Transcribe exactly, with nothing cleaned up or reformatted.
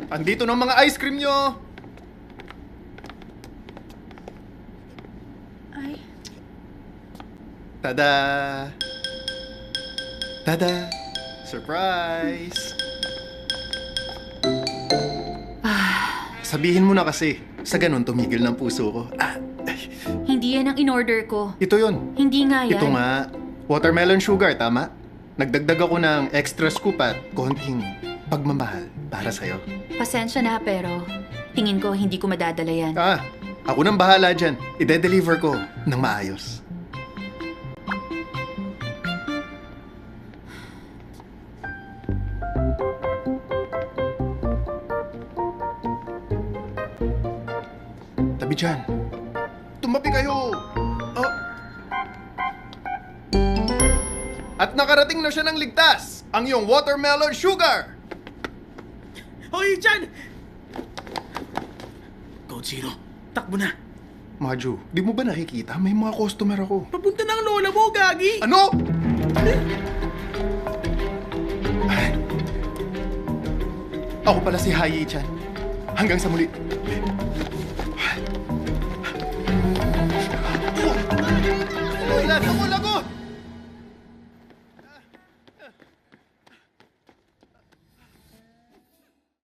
Andito ng mga ice cream nyo! Ay, Tada! Tada! Surprise! Sabihin mo na kasi, sa ganun tumigil ng puso ko. Ah, ay, hindi yan ang in-order ko. ito yon. Hindi nga yan. Ito nga, watermelon sugar, tama? Nagdagdag ako ng extra scoop at konting pagmamahal para sa'yo. Pasensya na pero tingin ko hindi ko madadala yan. Ah, ako nang bahala dyan. Ide-deliver ko ng maayos. Tabi dyan. Tumabi kayo! Oh. At nakarating na siya ng ligtas, ang iyong watermelon sugar! Hoy, Chan! Code Zero, takbo na. Maju, di mo ba nakikita? May mga customer ako. Papunta ng lola mo, Gagi! Ano? Ay. Ako pala si Hayi-chan. Hanggang sa muli. Ulat ako